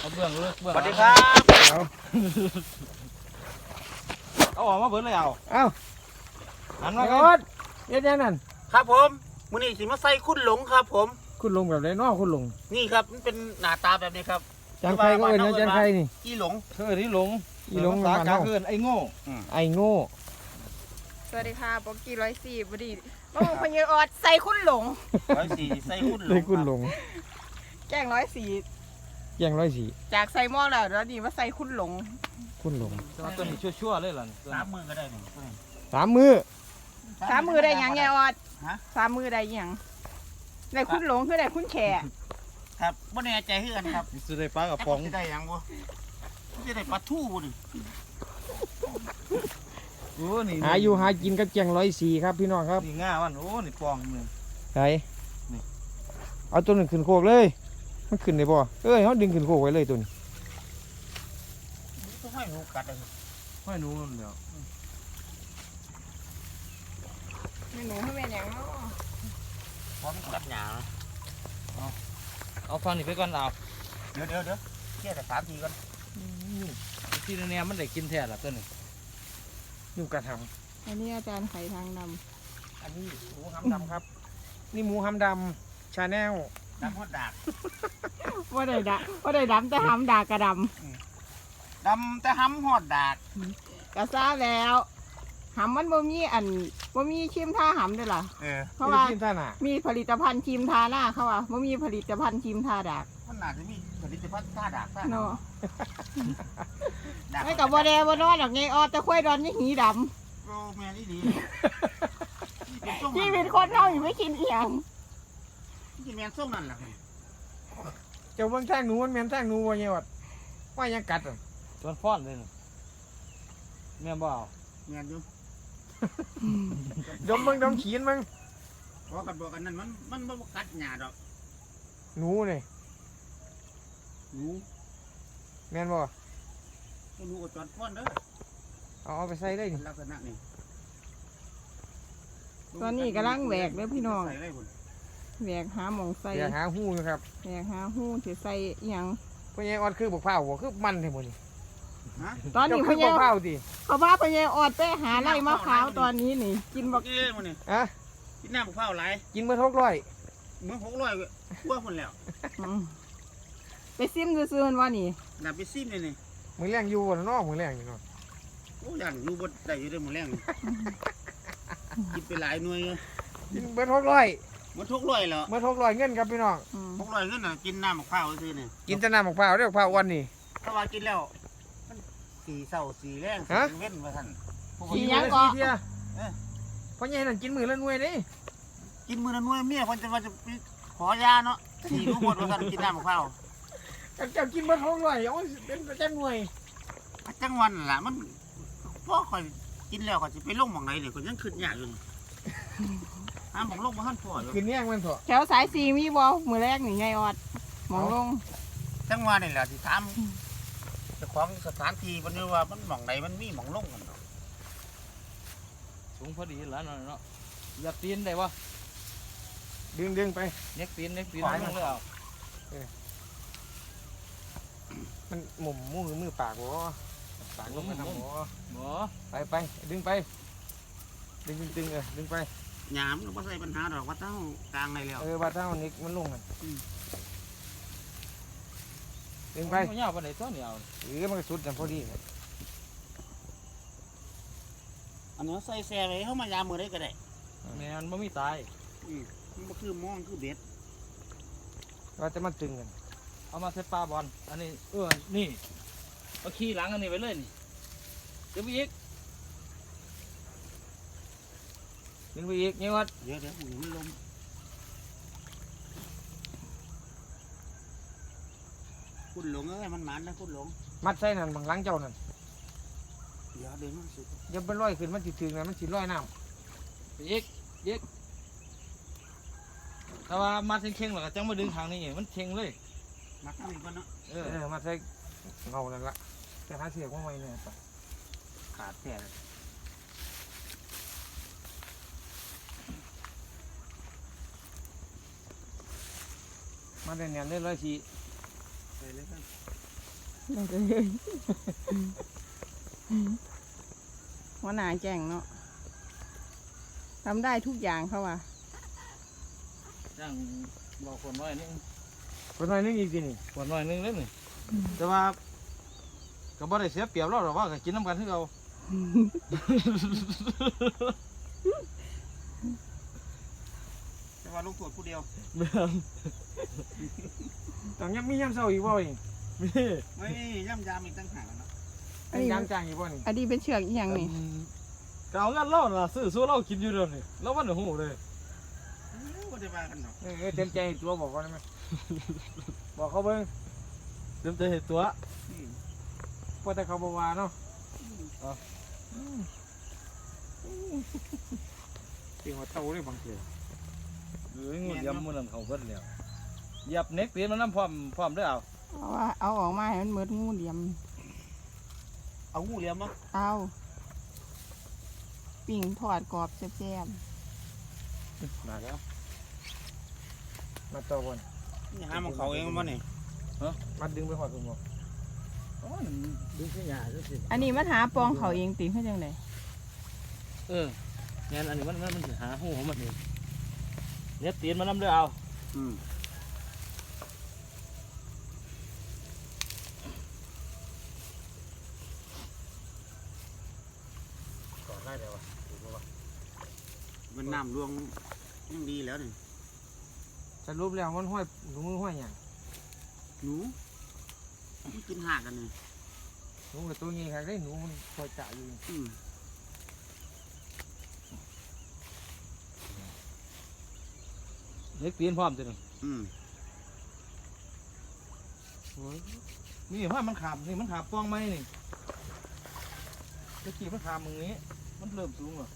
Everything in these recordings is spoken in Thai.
เอาเบื้องเลือกเบื้องสวัสดีครับเอาออกมาเบิ้ลเลยเอาหันมาไอ้ก่อออน ดเฮ็ดยังนั่นครับผมมื้อนี้สิมาใส่คุณหลงครับผมคุณลงแบบไหนน้อคุณลงนี่ครับมันเป็นหน้าตาแบบนี้ครับจานไข่ก็เอิ้นนะจานไข่นี่อีหลงเธอที่หลงอีหลงภาษาบ้านกลาเฮางคืนไอ้โง่ไอ้โง่สวัสดีค่ะป๊อกกี้104บดีมาบุกพญออดใส่คุณหลง 104ใส่คุณหลเลยงคุณลงแกง104 แย่ง104 จากใส่หม้อแล้วนี่มาใส่คุณหลงคุณลงเอาตัวนี้ชั่วๆเลยล่ะ 3 มือก็ได้นี่ 3 มื้อสามมือได้หยังไงออดฮะสามมือได้หยังได้คุณหลงคือได้คุณแขกครับบ่แน่ใจคือกันครับสิได้ปลากระป๋องสิได้หยังบ่สิได้ปลาทูบ่นี่โอ้นี่หาอยู่หากินกับแจง104ครับพี่น้องครับนี่ง่ามันโอ้นี่ปองนึงไสเอาตัวนึงขึ้นโคกเลยมันขึ้นได้บ่เอ้ยเฮาดึงขึ้นโคกไว้เลยตัวนี้ต้องให้หนูกัดเลยห้อยหนูนั่นเดียวเมนูให้แม่นหยังเนาะพร้อมกัดหญ้าเอาฟังนี่ไปก่อนเอาเดี๋ยวแค่แต่3ทีก่อนที่เนี่ยมันได้กินแท้ละตัวนี้อยู่กระถางอันนี้อาจารย์ไข่ทางดอันนี้หมูหำดำครับ นี่หมูหำดำชาแนลน้ำฮอดดากำว่าได้ดำแต่หำดากระดดำแต่หำฮอดดากำกระซ่าแล้วหำมันบ่มีบ่มีครีมทาหำด้วยล่ะ เพราะว่ากินท่าน่ะมีผลิตภัณฑ์ครีมทาหน้าเขาว่าบ่มีผลิตภัณฑ์ครีมทาดากมันน่าจะมีผลิตภัณฑ์ท่าดากซะเนาะดากไม่กับบ่แดบ่นอนดอกไงออดแต่ค่อยดอนนี่หีดโอ้แม่นี่ดีำชีวิตคนเฮาอยู่ไม่กินเอียงที่แม่นส้มนั่นล่ะเจ้าเบิ่งแท่งหนูมันแม่นแท่งหนูบ่เนี่ยวัดว่ายังกัดอ่ะส่วนฟ้อนเลยนี่แม่บ่เอาแม่นอยู่ดมเบิ่งดมขีนเบิ่งบอกกันนั่นมันบ่กัดหญ้าดอกหนูนี่หนูแม่นบ่หนูก็จอดฟ้อนเด้อเอาไปใส่เลยนี่ลักษณะนี้ตอนนี้กำลังแหวกเด้อพี่น้องใส่เลยพุ่นแหวกหาหมองใส่เดี๋ยวหาหูอยู่ครับแหวกหาหูสิใส่อิหยังพวกนี้ออดคือบักพร้าวบ่คือมันแท้หมดนี่ฮะตอนนี้เจ้าพคือญบักพร้าวติเขาว่าพญออดไปหาไร่มะพร้าวตอนนี้นี่ กินบักเอ้ยมื้อนี้อะกินน้ำมะพร้าวหลายกินเบิด600 มื้อ600กว่าพุ่นแล้วอืมไปซิมซื่อๆว่านี่น่าไปซิมนี่มื้อแรงอยู่บ่เนาะมื้อแรงอยู่เนาะโอ้ย่างอยู่บ่ได้อยู่เด้อมื้อแรงนี่กินไปหลายหน่วยอยู่กินเบิด600 มัน600แล้วเบิด600เงินครับพี่น้องอืม 600เงินน่ะกินน้ำมะพร้าวซื่อนี่กินแต่น้ำบักพร้าวเด้อบักพร้าวอ้วนนี่ถ้าว่ากินแล้วมันสีเศร้าสีแรงสีฮะเว้นว่าซั่นพวกขี้นี้หยังก็เที่ยเพราะใหญ่นั่นกินมื้อละหน่วยเด้กินมื้อละหน่วยเมียเพิ่นจะว่าจะไปขอยาเนาะสีรู้หมดว่าซั่นกินน้ำมะพร้าวเจ้ากินเบิด600เอาเป็นประจำหน่วยจังหวันนั่นล่ะมันพอข่อยกินแล้วข่อยสิไปลงหม่องไหนเดี๋ยวข่อยยังคิดยากอยู่นี่หาหม่องลงบ่ทันพออยู่กินแย่งมันเถอะแถวสายสีมีบ่มือแรกนี่ไงออดหมองลงจังหวะนี่แหละที่ถามเจ้าของสถานที่เพิ่นว่ามันหม่องไหนมันมีหม่องลงกันเนาะสูงพอดีแล้วเนาะอย่าปีนได้บ่ดึงไปเน็กปีนลงเลยเอามันหมุมมือปากบ่ปากลงไปทำบ่บ่ไปดึงไปดึงดึงไปหยามก็บ่ใส่ปัญหาดอกว่าเจ้ากลางได้แล้วบาดเท้านิกมันลงกันดึงไปมันยาวปานใดตัวนี้เอามันก็สุดกันพอดีอันนี้ใส่แซ่ไว้เฮามายามมื้อใดก็ได้แม่นบ่มีตายมันบ่คือมองคือเบ็ดว่าจะมันตึงกันเอามาใส่ปลาบอลอันนี้นี่เอาขี้หลังอันนี้ไว้เลยนี่เดี๋ยวไปอีกดึงไปอีกนี่วัดเดี๋ยวมันลมคุณหลงเอ้ยมันหมานนะคุณหลงมัดใส่นั่นบางหลังเจ้านั่นเดี๋ยวเดินมาสุดอย่าไปลอยขึ้นมันสิถึงนะมันสิลอยน้ไปอีกแต่ว่ามาเข่งๆแล้วก็จังมาดึงทางนี้มันเข่งเลยมักน้ำอีกก่อนเนาะำมัดใส่เงานั่นละแต่หาเสียกว่าไม่เนี่ยขาดแท้เลยมาได้เนี่ยได้104 ใส่เลยครับได้เลยหัวหน้าแจ้งเนาะทำได้ทุกอย่างเขาว่าจ้างบอกคนน้อยนึงคนน้อยนึงอีกทีนี่คนน้อยนึงเลยนี่แต่ว่าก็บ่ได้เสียเปรียบเราหรอกว่าก็กินน้ำกันคือเราแต่ว่าลูกตรวจผู้เดียวต้องยังมียามเช้าอีกบ่นี่มีไม่ย่ำยามอีกตั้งหากเนาะมียามจ้างอีกบ่นี่อันนี้เป็นเชือกอีหยังนี่ก็เอาเงินเราน่ะซื้อสู้เรากินอยู่เดี๋ยวนี้เราวันหูเลยก็ได้มากันเนาะเต็มใจตัวบอกเขาได้ไหมบอกเขาเบิ่งเต็มใจเห็นตัวพอแต่เขาบ่ว่าเนาะจริงว่าเท่าเลยบางทีหรืองูยำมันนั่นเขาเพิ่นแล้วเหยียบเน็กตีนมันน้ำพร้อมด้วยเอาเอาออกมาให้มันเหมือนงูเหลี่ยมเอางูเหลี่ยมมั้งเอาปิ่งทอดกรอบแซ่บมาแล้วมาต่อบนนี่หาของเขาเองมั้งนี่มาดึงไปหอดถุงบ่อ๋อดูสิหยาดูสิๆอันนี้มันหาปองเขาเองติเขาจังไดงั้นอันนี้มันสิหาหูของมันเองเน็กตีนมันน้ำด้วยเอาอืมต่อได้เลยวะมันน้ำรวงยังดีแล้วนี่สรุปแล้วมันห้อยถุงมือห้อยหยังหนูมันกินหากกันนี่หนูกับตัวนี้ครับได้หนูมันคอยจ่าอยู่อืมเน็กตีนพร้อมจ้ะนี่อืมนี่ว่ามันขาบนี่มันขาบป้องไหมนี่ตะกี้มันขาบมึงนี้มันเริ่มสูงอ่ะ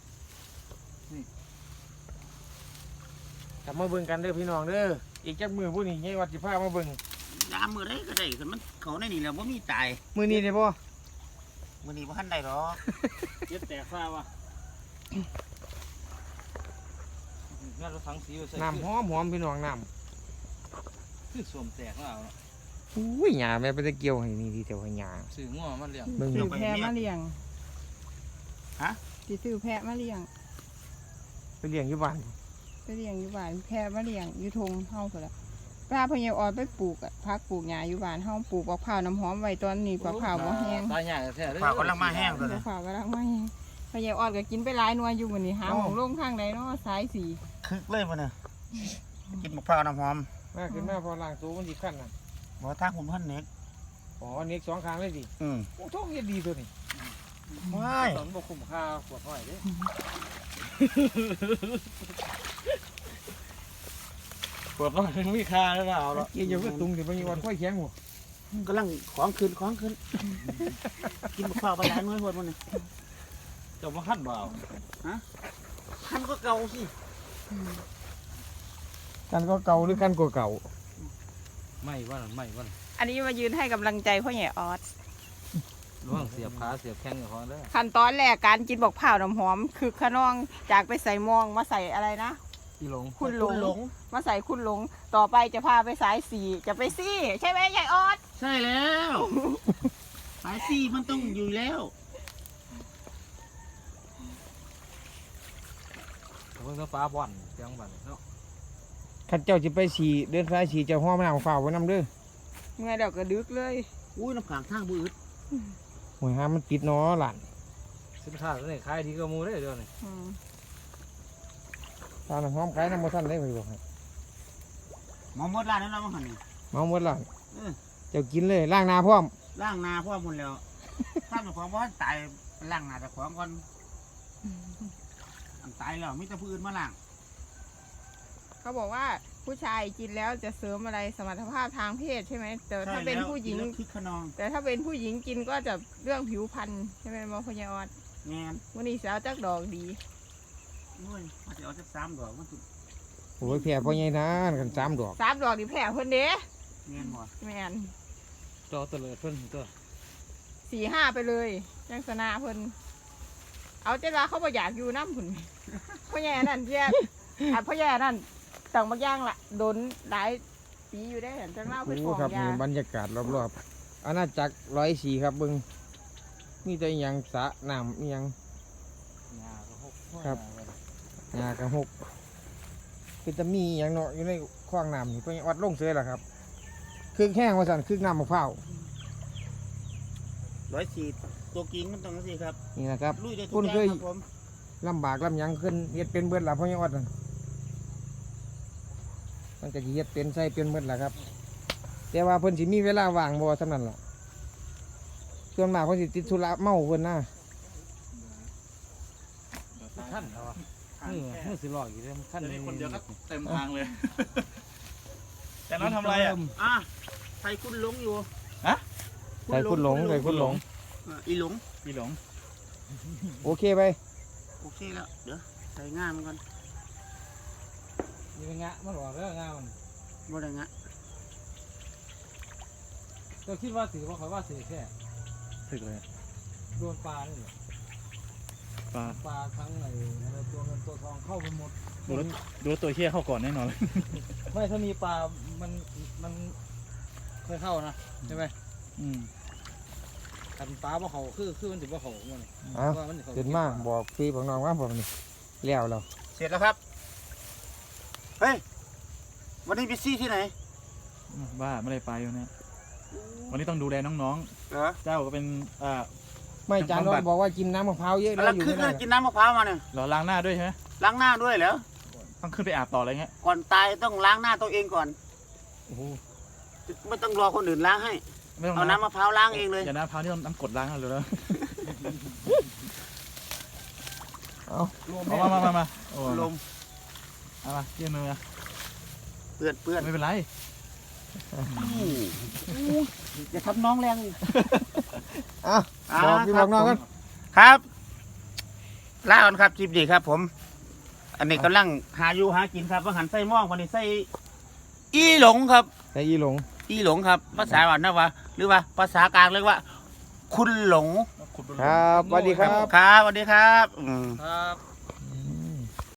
กลับมาเบิ่งกันเด้อพี่น้องเด้ออีกจักมือผู้นี้ไงวัดสิพามาเบิ่งยามมือได้ก็ได้กันมันเขาในนี่แล้วว่ามีตายมือนี้ได้บ่มือนี้ว่าทันได้หรอกเย็ดแตกฟ้าวะงั้นเราทั้งสีไปใส่น้ำหอมพี่น้องน้คือสวมแตกแล้วเอาเนาะำอุ้ยหญ้าแม่ไปตะเกียวให้นี่ดีแต่ว่าหญ้าซื้อง้อมันเลี้ยงเบิ่งซื้อแพะมาเลี้ยงฮะสิซื้อแพะมาเลี้ยงไปเลี้ยงอยู่บ้านไปเลี้ยงอยู่บ้านแพะมาเลี้ยงอยู่ทงเฮาพุ่นล่ะพาพ่อใหญ่ออดไปปลูกพักปลูกหญ้าอยู่บ้านเฮาปลูกบักพร้าวน้ำหอมไว้ตอนนี้บักพร้าวบ่แห้งตายใหญ่แท้เลยฝากกำลังมาแห้งตัวบันี้กพร้าวกำลังมาแห้งพ่อใหญ่ออดก็กินไปหลายหน่วยอยู่มื้อนี้หาหม้องลงข้างใดเนาะสายสีคึกเลยมันเนี่ยกินมะพร้าวน้ำหอมมาขึ้นมาพอล้างตัวมันสิขั้นน่ะบ่ทางผมพันเน็กอ๋อเน็กสองข้างเลยดิอืมโอ้ท้องเฮ็ดดีตัวนี้ว้ายตอนบ่คุ้มค่าขวดห้อยเด้ขวดห้อยมีค่าหรือเปล่าเนาะเกี่ยวกับตุงสิบ่มีวันค่อยแข็งหัวกำลังของขึ้นกินมะพร้าวไปหลายหน่วยหมดมันนี่เจ้าบ่คันบ่เอาคันก็เก่าสิกันก็เก่าหรือกันก็เก่าไม่ว่านั่นไม่ว่านั่นอันนี้มายืนให้กำลังใจพ่อใหญ่ออดระวังเสียบขาเสียบแข้งกับของเด้อขั้นตอนแรกการกินบักพร้าวน้ำหอม คือขนองจากไปใส่มองมาใส่อะไรนะอีหลงคุณหลงมาใส่คุณหลงต่อไปจะพาไปสายสีจะไปซี่ใช่ไหมยายออดใช่แล้วสายซี่มันต้องอยู่แล้วเพิ่นก็ฟ้าบ่อนจังบัดเนาะคันเจ้าสิไปสีเดินสายสีเจ้าห้อมน้ำฝ้าวไว้นำเด้อเมื่อเดี๋ยวก็ดึกเลยอุ้ยน้ำขังทางบืดหวยหามันติดเนาะหลานสินค้าตัวนี้ขายดีกว่าหมู่เด้อเดี๋ยวนี้อืมตาน้ำหอมขายน้ำบ่ทันได้ไปบอกให้หมอมดร้านนั้นเรามาหันนี่เมาหมดหลานเออเจ้ากินเลยล้างหน้าพร้อมล่างนาพ่อหมดแล้ว ถ้าเป็นของว่าตายล่างนาแต่ของก่อนอันตายแล้วมีแต่ผู้อื่นมาล่างเขาบอกว่าผู้ชายกินแล้วจะเสริมอะไรสมรรถภาพทางเพศใช่ไหมแต่ถ้าเป็นผู้หญิงคิดขนองแต่ถ้าเป็นผู้หญิงกินก็จะเรื่องผิวพรรณใช่ไหมหมอพยาออดแงนวันนี้สาวจักดอกดีโอ้ยมาจะเอาจะซ้ำดอกมันสุดโอ้ยแผ่พ่อใหญ่นานกัน3 ดอก 3 ดอกดีแผลเพิ่นเด้แงนหมดแมนจอเตลิดเพิ่นตัว 4-5ไปเลยยังสนาเพิ่นเอาเจ้าลาเขาบ่อยากอยู่น้ำผุนพ่อแย่นั่นเจ้าพ่อแย่นั่นต่างบางอย่างละโดนหลายปีอยู่ได้เห็นจังเล่าไปโอ้ฟ้องครับยานี่บรรยากาศรอบอาณาจักร104ครับเบิ่งมีแต่อิหยังสระน้ำอิหยังหญ้าก็หกครับ หญ้ากระหกคือจะมีอิหยังเนาะอยู่ในคลองน้ำนี่เพิ่นวัดลงเสือล่ะครับคือแห้งว่าซั่นคือน้ำมะพร้าว 104ตัวกิ้งมันต้องสิครับนี่นะครับลุยได้ทุคุกณอย่าเคงยครับผมลำบากลำหยังขึ้นเฮ็ดเป็นเบิดล่ะพ่อยังอดนั่นมันก็สิเฮ็ดเป็นใส่เป็นเบิดล่ะครับ แต่ว่าเพิ่นสิมีเวลาว่างบ่สำนั้นล่ะส่วนมากเพิ่นสิติดธุระเมาเพิ่นนะขั้นเหรอนี่นี่สิลอยอยู่เลยขั้นจะได้คนเดียวก็เต็มทางเลย แต่น้องทำอะไรอ่ะอ่ะใส่คุณหลงอยู่ใส่คุณหลงใส่คุณหลงอีหลงพี่หลงโอเคไปโอเคแล้วเดี๋ยวใส่ง่ามมันก่อนนี่เป็นงะมันหลอกแล้วงะมันบ่ได้งะก็คิดว่าถือว่าเขาว่าถือแค่ถึกเลยโดนปลานี่แหละปลาปลาทั้งไหนอะไรตัวเงินตัวทองเข้าไปหมดดูตัวเฮี้ยเข้าก่อนแน่นอนเลยไม่ถ้ามีปลา มันเคยเข้านะใช่ไหมอืมกันปลาว่าเขาคือมันถือว่าเขามันเอ้าว่ามันเขาเห็นมาบอกพี่บอกน้องว่าผมนี่แล้วเราเสร็จแล้วครับเฮ้ยวันนี้ไปซี่ที่ไหนบ้าไม่ได้ไปวันนี้วันนี้ต้องดูแลน้องเหรอๆ เจ้าก็เป็นไม่จานน้อยบอกว่ากินน้ำมะพร้าวเยอะแล้แล้ววอยู่ขึ้นไม่ได้กินน้ำมะพร้าวมาเนี่ยเราล้างหน้าด้วยใช่ไหมล้างหน้าด้วยเหรอต้องขึ้นไปอาบต่ออะไรเงี้ยก่อนตายต้องล้างหน้าตัวเองก่อนโอ้โหไม่ต้องรอคนอื่นล้างให้ไม่ต้องเอาน้ำมะพร้าวล้างเองเลยอย่าน้ำพร้าวนี่ต้องน้ำกรดล้างกันเลยแล้วเอามาโอ้ลมเอามายื่นมือมาเปื้อนเปื้อนไม่เป็นไรอย่าทำน้องแรงอ่ะบอกพี่บอกน้องกันครับลาก่อนครับจิบดีครับ ผม อันนี้กำลังหาอยู่หากินครับว่าหันไส้ม่วงวันนี้ไส้อีหลงครับแต่อีหลงอีหลงครับ ภาษาบ้านนะว่าหรือว่าภาษากลางเรียกว่า คุณหลงครับสวัสดีครับครับสวัสดีครับครับ